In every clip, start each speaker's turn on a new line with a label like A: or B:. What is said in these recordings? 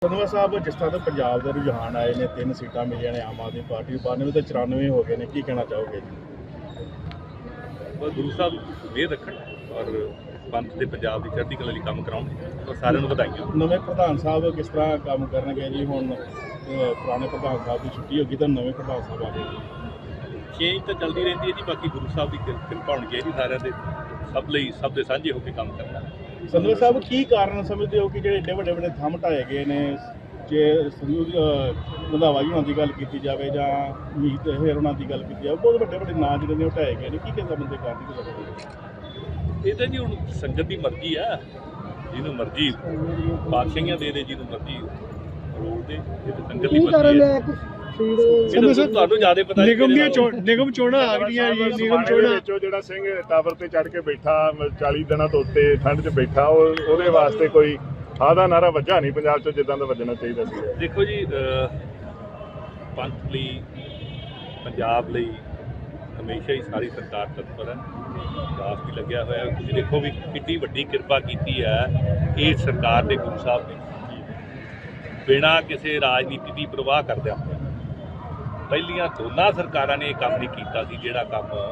A: ਧੰਨਵਾਦ ਸਾਹਿਬ। ਜਿਸ ਤਰ੍ਹਾਂ ਪੰਜਾਬ ਦੇ ਰੁਝਾਨ ਆਏ ਨੇ, 3 ਸੀਟਾਂ ਮਿਲੀਆਂ ਨੇ ਆਮ ਆਦਮੀ ਪਾਰਟੀ ਨੂੰ, 92 ਤੇ 94 ਹੋ ਗਏ ਨੇ, ਕੀ ਕਹਿਣਾ ਚਾਹੋਗੇ ਜੀ?
B: ਬਸ ਗੁਰੂ ਸਾਹਿਬ ਮਿਹਰ ਰੱਖਣ ਔਰ ਪੰਥ ਦੇ ਪੰਜਾਬ ਦੀ ਚੜ੍ਹਦੀ ਕਲਾ ਲਈ ਕੰਮ ਕਰਾਉਣ ਔਰ ਸਾਰਿਆਂ ਨੂੰ ਵਧਾਈਆਂ।
A: ਨਵੇਂ ਪ੍ਰਧਾਨ ਸਾਹਿਬ ਕਿਸ ਤਰ੍ਹਾਂ ਕੰਮ ਕਰਨਗੇ ਜੀ? ਹੁਣ ਪੁਰਾਣੇ ਪ੍ਰਧਾਨ ਸਾਹਿਬ ਦੀ ਛੁੱਟੀ ਹੋ ਗਈ ਤਾਂ ਨਵੇਂ ਪ੍ਰਧਾਨ ਸਾਹਿਬ ਆ ਗਏ ਜੀ।
B: ਚੇਂਜ ਤਾਂ ਚੱਲਦੀ ਰਹਿੰਦੀ ਹੈ ਜੀ, ਬਾਕੀ ਗੁਰੂ ਸਾਹਿਬ ਦੀ ਕਿਰਪਾ ਹੋਣੀ ਚਾਹੀਦੀ ਸਾਰਿਆਂ ਦੇ, ਸਭ ਲਈ, ਸਭ ਦੇ ਸਾਂਝੇ ਹੋ ਕੇ ਕੰਮ ਕਰਨਾ।
A: ਧੰਨਵਾਦ ਸਾਹਿਬ, ਕੀ ਕਾਰਨ ਸਮਝਦੇ ਹੋ ਕਿ ਜਿਹੜੇ ਏਡੇ ਵੱਡੇ ਵੱਡੇ ਥੰਮ ਢਾਏ ਗਏ ਨੇ? ਜੇ ਸੰਯੁਕਤ ਰੰਧਾਵਾ ਜੀ ਉਹਨਾਂ ਦੀ ਗੱਲ ਕੀਤੀ ਜਾਵੇ ਜਾਂ ਮੀਤ ਹੇਰ ਉਹਨਾਂ ਦੀ ਗੱਲ ਕੀਤੀ ਜਾਵੇ, ਬਹੁਤ ਵੱਡੇ ਵੱਡੇ ਨਾਂ ਜਿਹੜੇ ਨੇ ਉਹ ਢਾਏ ਗਏ ਨੇ, ਕੀ ਕਹਿੰਦਾ ਬੰਦੇ ਕਾਰਨ ਕੀ ਲੱਗਦਾ?
B: ਇਹ ਤਾਂ ਜੀ ਹੁਣ ਸੰਗਤ ਦੀ ਮਰਜ਼ੀ ਆ, ਜਿਹਨੂੰ ਮਰਜ਼ੀ ਬਾਦਸ਼ਾਹੀਆਂ ਦੇ ਜਿਹਨੂੰ ਮਰਜ਼ੀ ਰੋਲ ਦੇ, ਇਹ ਤਾਂ ਸੰਗਤ ਦੀ ਮਰਜ਼ੀ ਹੈ। ਤੁਹਾਨੂੰ ਜ਼ਿਆਦਾ ਪਤਾ
C: ਨਿਗਮ ਚੋਣਾਂ ਆ ਗਈਆਂ ਜੀ। ਨਿਗਮ ਚੋਣਾਂ
D: ਵਿੱਚੋਂ ਜਿਹੜਾ ਸਿੰਘ ਟਾਵਰ ਤੇ ਚੜ੍ਹ ਕੇ ਬੈਠਾ 40 ਦਿਨਾਂ ਤੋਂ ਉੱਤੇ ਠੰਡ 'ਚ ਬੈਠਾ, ਉਹਦੇ ਵਾਸਤੇ ਕੋਈ ਆਦਾ ਨਾਰਾ ਵੱਜਾ ਨਹੀਂ ਪੰਜਾਬ 'ਚ ਜਿੱਦਾਂ ਦਾ ਵੱਜਣਾ ਚਾਹੀਦਾ ਸੀ।
B: ਦੇਖੋ ਜੀ, ਪੰਥ ਲਈ, ਪੰਜਾਬ ਲਈ ਹਮੇਸ਼ਾ ਹੀ ਸਾਰੀ ਸਰਕਾਰ ਤਤਪਰ ਹੈ, ਦਾਸ ਵੀ ਲੱਗਿਆ ਹੋਇਆ। ਤੁਸੀਂ ਦੇਖੋ ਵੀ ਕਿੰਨੀ ਵੱਡੀ ਕਿਰਪਾ ਕੀਤੀ ਹੈ ਇਹ ਸਰਕਾਰ ਦੇ ਗੁਰੂ ਸਾਹਿਬ ਨੇ, ਬਿਨਾਂ ਕਿਸੇ ਰਾਜਨੀਤੀ ਦੀ ਪ੍ਰਵਾਹ ਕਰਦਿਆਂ। ਪਹਿਲੀਆਂ ਦੋਨਾਂ ਸਰਕਾਰਾਂ ਨੇ ਇਹ ਕੰਮ ਨਹੀਂ ਕੀਤਾ ਸੀ ਜਿਹੜਾ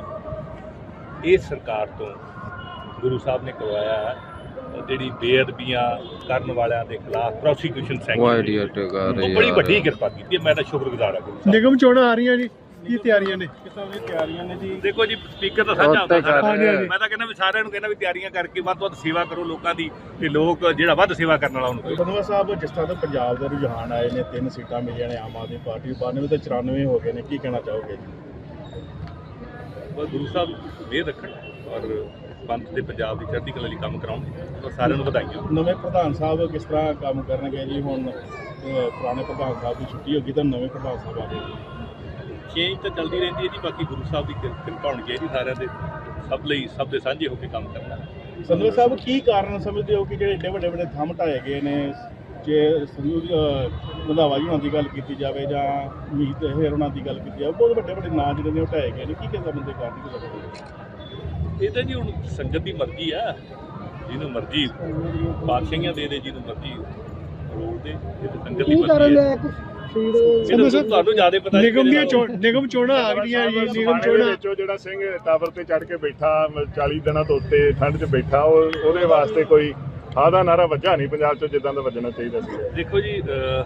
B: ਕੰਮ ਇਹ ਸਰਕਾਰ ਤੋਂ ਗੁਰੂ ਸਾਹਿਬ ਨੇ ਕਰਵਾਇਆ ਹੈ। ਜਿਹੜੀ ਬੇਅਦਬੀਆਂ ਕਰਨ ਵਾਲਿਆਂ ਦੇ ਖਿਲਾਫ ਪ੍ਰੋਸੀਕਿਊਸ਼ਨ ਸੈਂਕਸ਼ਨ, ਬੜੀ ਵੱਡੀ ਕਿਰਪਾ ਕੀਤੀ ਹੈ। ਮੈਂ ਤਾਂ ਸ਼ੁਕਰਗੁਜ਼ਾਰ ਹਾਂ ਗੁਰੂ ਸਾਹਿਬ।
C: ਨਿਗਮ ਚੋਣਾਂ ਆ ਰਹੀਆਂ ਜੀ, ਕੀ ਤਿਆਰੀਆਂ ਨੇ?
A: ਕਿਸਾਨ ਦੀ ਤਿਆਰੀਆਂ ਨੇ ਜੀ।
B: ਦੇਖੋ ਜੀ, ਸਪੀਕਰ ਤਾਂ ਸਾਂਝਾ ਹੁੰਦਾ ਸਾਰਿਆਂ ਨੂੰ। ਮੈਂ ਤਾਂ ਕਹਿੰਦਾ ਵੀ ਸਾਰਿਆਂ ਨੂੰ ਕਹਿੰਦਾ ਵੀ ਤਿਆਰੀਆਂ ਕਰਕੇ ਵੱਧ ਤੋਂ ਵੱਧ ਸੇਵਾ ਕਰੋ ਲੋਕਾਂ ਦੀ, ਤੇ ਲੋਕ ਜਿਹੜਾ ਵੱਧ ਸੇਵਾ ਕਰਨ ਵਾਲਾ ਉਹਨੂੰ।
A: ਧੰਨਵਾਦ ਸਾਹਿਬ, ਜਿਸ ਤਰ੍ਹਾਂ ਪੰਜਾਬ ਦੇ ਰੁਝਾਨ ਆਏ ਨੇ, 3 ਸੀਟਾਂ ਮਿਲੀਆਂ ਨੇ ਆਮ ਆਦਮੀ ਪਾਰਟੀ ਨੂੰ, 92 ਤੇ 94 ਹੋ ਗਏ ਨੇ, ਕੀ ਕਹਿਣਾ ਚਾਹੋਗੇ ਜੀ?
B: ਬਸ ਗੁਰੂ ਸਾਹਿਬ ਮਿਹਰ ਰੱਖਣ ਔਰ ਪੰਥ ਦੇ ਪੰਜਾਬ ਦੀ ਚੜ੍ਹਦੀ ਕਲਾ ਲਈ ਕੰਮ ਕਰਾਉਣ ਔਰ ਸਾਰਿਆਂ ਨੂੰ ਵਧਾਈਆਂ।
A: ਨਵੇਂ ਪ੍ਰਧਾਨ ਸਾਹਿਬ ਕਿਸ ਤਰ੍ਹਾਂ ਕੰਮ ਕਰਨਗੇ ਜੀ? ਹੁਣ ਪੁਰਾਣੇ ਪ੍ਰਧਾਨ ਸਾਹਿਬ ਦੀ ਛੁੱਟੀ ਹੋ ਗਈ ਤਾਂ ਨਵੇਂ ਪ੍ਰਧਾਨ ਸਾਹਿਬ ਆ ਗਏ ਜੀ।
B: ਚੇਂਜ ਤਾਂ ਚੱਲਦੀ ਰਹਿੰਦੀ ਹੈ ਜੀ, ਬਾਕੀ ਗੁਰੂ ਸਾਹਿਬ ਦੀ ਕਿਰਪਾ ਹੋਣੀ ਚਾਹੀਦੀ ਸਾਰਿਆਂ ਦੇ, ਸਭ ਲਈ, ਸਭ ਦੇ ਸਾਂਝੇ ਹੋ ਕੇ ਕੰਮ ਕਰਨਾ।
A: ਧੰਨਵਾਦ ਸਾਹਿਬ, ਕੀ ਕਾਰਨ ਸਮਝਦੇ ਹੋ ਕਿ ਜਿਹੜੇ ਏਡੇ ਵੱਡੇ ਵੱਡੇ ਥੰਮ ਢਾਏ ਗਏ ਨੇ? ਜੇ ਸੰਯੁਕਤ ਰੰਧਾਵਾ ਜੀ ਉਹਨਾਂ ਦੀ ਗੱਲ ਕੀਤੀ ਜਾਵੇ ਜਾਂ ਮੀਤ ਹੇਰ ਉਹਨਾਂ ਦੀ ਗੱਲ ਕੀਤੀ ਜਾਵੇ, ਬਹੁਤ ਵੱਡੇ ਵੱਡੇ ਨਾਂ ਜਿਹੜੇ ਨੇ ਉਹ ਢਾਏ ਗਏ ਨੇ, ਕੀ ਕਹਿੰਦਾ ਬੰਦੇ ਕਾਰਨ ਕੀ ਲੱਗਦਾ?
B: ਇਹ ਤਾਂ ਜੀ ਹੁਣ ਸੰਗਤ ਦੀ ਮਰਜ਼ੀ ਆ, ਜਿਹਨੂੰ ਮਰਜ਼ੀ ਬਾਦਸ਼ਾਹੀਆਂ ਦੇ ਜਿਹਨੂੰ ਮਰਜ਼ੀ ਰੋਲ ਦੇ, ਇਹ ਤਾਂ ਸੰਗਤ ਦੀ ਮਰਜ਼ੀ ਹੈ। ਤੁਹਾਨੂੰ ਜ਼ਿਆਦਾ ਪਤਾ
C: ਨਿਗਮ ਚੋਣਾਂ ਆ ਗਈਆਂ ਜੀ। ਨਿਗਮ ਚੋਣਾਂ
D: ਵਿੱਚੋਂ ਜਿਹੜਾ ਸਿੰਘ ਟਾਵਰ ਤੇ ਚੜ੍ਹ ਕੇ ਬੈਠਾ 40 ਦਿਨਾਂ ਤੋਂ ਉੱਤੇ ਠੰਡ 'ਚ ਬੈਠਾ, ਉਹਦੇ ਵਾਸਤੇ ਕੋਈ ਆਦਾ ਨਾਰਾ ਵੱਜਾ ਨਹੀਂ ਪੰਜਾਬ 'ਚ ਜਿੱਦਾਂ ਦਾ ਵੱਜਣਾ ਚਾਹੀਦਾ ਸੀ।
B: ਦੇਖੋ ਜੀ,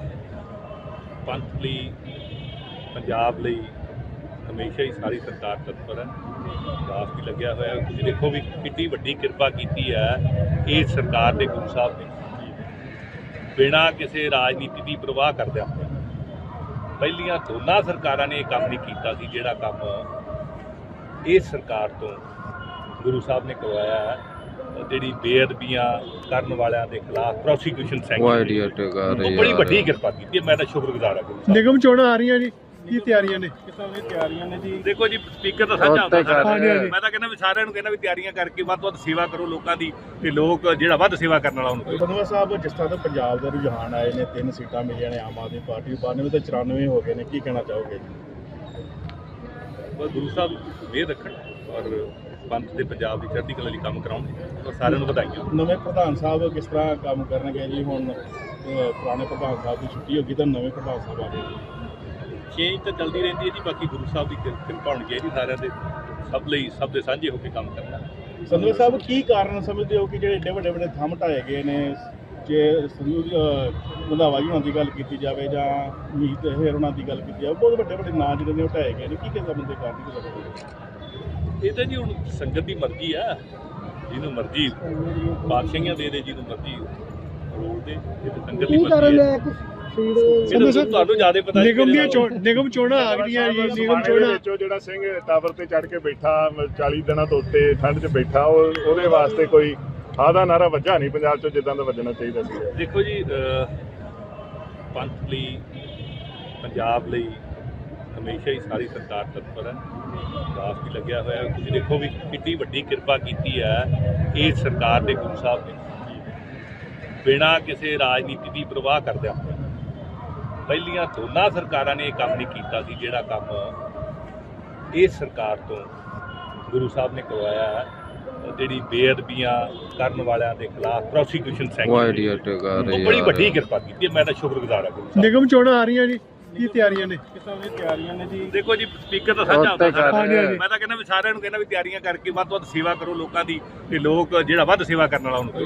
B: ਪੰਥ ਲਈ, ਪੰਜਾਬ ਲਈ ਹਮੇਸ਼ਾ ਹੀ ਸਾਰੀ ਸਰਕਾਰ ਤਤਪਰ ਹੈ, ਦਾਸ ਵੀ ਲੱਗਿਆ ਹੋਇਆ। ਤੁਸੀਂ ਦੇਖੋ ਵੀ ਕਿੰਨੀ ਵੱਡੀ ਕਿਰਪਾ ਕੀਤੀ ਹੈ ਇਹ ਸਰਕਾਰ ਦੇ ਗੁਰੂ ਸਾਹਿਬ ਨੇ, ਬਿਨਾਂ ਕਿਸੇ ਰਾਜਨੀਤੀ ਦੀ ਪ੍ਰਵਾਹ ਕਰਦਿਆਂ। ਪਹਿਲੀਆਂ ਦੋਨਾਂ ਸਰਕਾਰਾਂ ਨੇ ਇਹ ਕੰਮ ਨਹੀਂ ਕੀਤਾ ਸੀ ਜਿਹੜਾ ਕੰਮ ਇਹ ਸਰਕਾਰ ਤੋਂ ਗੁਰੂ ਸਾਹਿਬ ਨੇ ਕਰਵਾਇਆ ਹੈ। ਜਿਹੜੀ ਬੇਅਦਬੀਆਂ ਕਰਨ ਵਾਲਿਆਂ ਦੇ ਖਿਲਾਫ ਪ੍ਰੋਸੀਕਿਊਸ਼ਨ ਸੈਂਕਸ਼ਨ, ਬੜੀ ਵੱਡੀ ਕਿਰਪਾ ਕੀਤੀ ਹੈ। ਮੈਂ ਤਾਂ ਸ਼ੁਕਰਗੁਜ਼ਾਰ ਹਾਂ ਗੁਰੂ ਸਾਹਿਬ।
C: ਨਿਗਮ ਚੋਣਾਂ ਆ ਰਹੀਆਂ ਜੀ, ਕੀ ਤਿਆਰੀਆਂ ਨੇ?
A: ਕਿਸਾਨ ਦੀ ਤਿਆਰੀਆਂ ਨੇ ਜੀ।
B: ਦੇਖੋ ਜੀ, ਸਪੀਕਰ ਤਾਂ ਸਾਂਝਾ ਹੁੰਦਾ ਸਾਰਿਆਂ ਨੂੰ। ਮੈਂ ਤਾਂ ਕਹਿੰਦਾ ਵੀ ਸਾਰਿਆਂ ਨੂੰ ਕਹਿੰਦਾ ਵੀ ਤਿਆਰੀਆਂ ਕਰਕੇ ਵੱਧ ਤੋਂ ਵੱਧ ਸੇਵਾ ਕਰੋ ਲੋਕਾਂ ਦੀ, ਤੇ ਲੋਕ ਜਿਹੜਾ ਵੱਧ ਸੇਵਾ ਕਰਨ ਵਾਲਾ ਉਹਨੂੰ।
A: ਧੰਨਵਾਦ ਸਾਹਿਬ, ਜਿਸ ਤਰ੍ਹਾਂ ਪੰਜਾਬ ਦੇ ਰੁਝਾਨ ਆਏ ਨੇ, 3 ਸੀਟਾਂ ਮਿਲੀਆਂ ਨੇ ਆਮ ਆਦਮੀ ਪਾਰਟੀ ਨੂੰ, 92 ਤੇ 94 ਹੋ ਗਏ ਨੇ, ਕੀ ਕਹਿਣਾ ਚਾਹੋਗੇ ਜੀ?
B: ਬਸ ਗੁਰੂ ਸਾਹਿਬ ਮਿਹਰ ਰੱਖਣ ਔਰ ਪੰਥ ਦੇ ਪੰਜਾਬ ਦੀ ਚੜ੍ਹਦੀ ਕਲਾ ਲਈ ਕੰਮ ਕਰਾਉਣ ਔਰ ਸਾਰਿਆਂ ਨੂੰ ਵਧਾਈਆਂ।
A: ਨਵੇਂ ਪ੍ਰਧਾਨ ਸਾਹਿਬ ਕਿਸ ਤਰ੍ਹਾਂ ਕੰਮ ਕਰਨਗੇ ਜੀ? ਹੁਣ ਪੁਰਾਣੇ ਪ੍ਰਧਾਨ ਸਾਹਿਬ ਦੀ ਛੁੱਟੀ ਹੋ ਗਈ ਤਾਂ ਨਵੇਂ ਪ੍ਰਧਾਨ ਸਾਹਿਬ ਆ ਗਏ ਜੀ।
B: ਚੇਂਜ ਤਾਂ ਚੱਲਦੀ ਰਹਿੰਦੀ ਹੈ ਜੀ, ਬਾਕੀ ਗੁਰੂ ਸਾਹਿਬ ਦੀ ਕਿਰਪਾ ਹੋਣੀ ਚਾਹੀਦੀ ਸਾਰਿਆਂ ਦੇ, ਸਭ ਲਈ, ਸਭ ਦੇ ਸਾਂਝੇ ਹੋ ਕੇ ਕੰਮ ਕਰਨਾ।
A: ਧੰਨਵਾਦ ਸਾਹਿਬ, ਕੀ ਕਾਰਨ ਸਮਝਦੇ ਹੋ ਕਿ ਜਿਹੜੇ ਏਡੇ ਵੱਡੇ ਵੱਡੇ ਥੰਮ ਢਾਏ ਗਏ ਨੇ? ਜੇ ਸੰਯੁਕਤ ਰੰਧਾਵਾ ਜੀ ਉਹਨਾਂ ਦੀ ਗੱਲ ਕੀਤੀ ਜਾਵੇ ਜਾਂ ਮੀਤ ਹੇਰ ਉਹਨਾਂ ਦੀ ਗੱਲ ਕੀਤੀ ਜਾਵੇ, ਬਹੁਤ ਵੱਡੇ ਵੱਡੇ ਨਾਂ ਜਿਹੜੇ ਨੇ ਉਹ ਢਾਏ ਗਏ ਨੇ, ਕੀ ਕਹਿੰਦਾ ਬੰਦੇ ਕਾਰਨ ਕੀ ਲੱਗਦਾ?
B: ਇਹ ਤਾਂ ਜੀ ਹੁਣ ਸੰਗਤ ਦੀ ਮਰਜ਼ੀ ਆ, ਜਿਹਨੂੰ ਮਰਜ਼ੀ ਬਾਦਸ਼ਾਹੀਆਂ ਦੇ ਜਿਹਨੂੰ ਮਰਜ਼ੀ ਰੋਲ ਦੇ, ਇਹ ਤਾਂ ਸੰਗਤ ਦੀ ਮਰਜ਼ੀ ਹੈ। ਤੁਹਾਨੂੰ ਜ਼ਿਆਦਾ ਪਤਾ
C: ਨਿਗਮ ਚੋਣਾਂ ਆ ਗਈਆਂ ਜੀ। ਨਿਗਮ ਚੋਣਾਂ
D: ਵਿੱਚੋਂ ਜਿਹੜਾ ਸਿੰਘ ਟਾਵਰ ਤੇ ਚੜ੍ਹ ਕੇ ਬੈਠਾ 40 ਦਿਨਾਂ ਤੋਂ ਉੱਤੇ ਠੰਡ 'ਚ ਬੈਠਾ, ਉਹਦੇ ਵਾਸਤੇ ਕੋਈ ਆਦਾ ਨਾਰਾ ਵੱਜਾ ਨਹੀਂ ਪੰਜਾਬ 'ਚ ਜਿੱਦਾਂ ਦਾ ਵੱਜਣਾ ਚਾਹੀਦਾ ਸੀ।
B: ਦੇਖੋ ਜੀ, ਪੰਥ ਲਈ, ਪੰਜਾਬ ਲਈ ਹਮੇਸ਼ਾ ਹੀ ਸਾਰੀ ਸਰਕਾਰ ਤਤਪਰ ਹੈ, ਦਾਸ ਵੀ ਲੱਗਿਆ ਹੋਇਆ। ਤੁਸੀਂ ਦੇਖੋ ਵੀ ਕਿੰਨੀ ਵੱਡੀ ਕਿਰਪਾ ਕੀਤੀ ਹੈ ਇਹ ਸਰਕਾਰ ਦੇ ਗੁਰੂ ਸਾਹਿਬ ਨੇ, ਬਿਨਾਂ ਕਿਸੇ ਰਾਜਨੀਤੀ ਦੀ ਪ੍ਰਵਾਹ ਕਰਦਿਆਂ। ਪਹਿਲੀਆਂ ਦੋਨਾਂ ਸਰਕਾਰਾਂ ਨੇ ਇਹ ਕੰਮ ਨਹੀਂ ਕੀਤਾ ਸੀ ਜਿਹੜਾ ਕੰਮ ਇਹ ਸਰਕਾਰ ਤੋਂ ਗੁਰੂ ਸਾਹਿਬ ਨੇ ਕਰਵਾਇਆ ਹੈ। ਜਿਹੜੀ ਬੇਅਦਬੀਆਂ ਕਰਨ ਵਾਲਿਆਂ ਦੇ ਖਿਲਾਫ ਪ੍ਰੋਸੀਕਿਊਸ਼ਨ
E: ਉਹ
B: ਸੈਂਕਸ਼ਨ
E: ਆਈਡੀਆ ਟਗਾ
B: ਉਹ
E: ਰਹੇ
B: ਬੜੀ ਵੱਡੀ
E: ਯਾਰ
B: ਕਿਰਪਾ ਕੀਤੀ ਹੈ। ਮੈਂ ਤਾਂ ਸ਼ੁਕਰਗੁਜ਼ਾਰ ਹਾਂ ਗੁਰੂ ਸਾਹਿਬ
C: ਨਿਗਮ ਚੋਣਾਂ ਆ ਰਹੀਆਂ ਜੀ, ਕੀ ਤਿਆਰੀਆਂ ਨੇ?
A: ਕਿਸਾਂ ਦੀਆਂ ਤਿਆਰੀਆਂ ਨੇ ਜੀ।
B: ਦੇਖੋ ਜੀ ਸਪੀਕਰ ਤਾਂ ਸਾਂਝਾ ਹੁੰਦਾ ਸਾਰਾ।
C: ਹਾਂਜੀ, ਹਾਂਜੀ।
B: ਮੈਂ ਤਾਂ ਕਹਿੰਦਾ ਵੀ ਸਾਰਿਆਂ ਨੂੰ ਕਹਿੰਦਾ ਵੀ ਤਿਆਰੀਆਂ ਕਰਕੇ ਵੱਧ ਤੋਂ ਵੱਧ ਸੇਵਾ ਕਰੋ ਲੋਕਾਂ ਦੀ, ਤੇ ਲੋਕ ਜਿਹੜਾ ਵੱਧ ਸੇਵਾ ਕਰਨ ਵਾਲਾ ਉਹਨੂੰ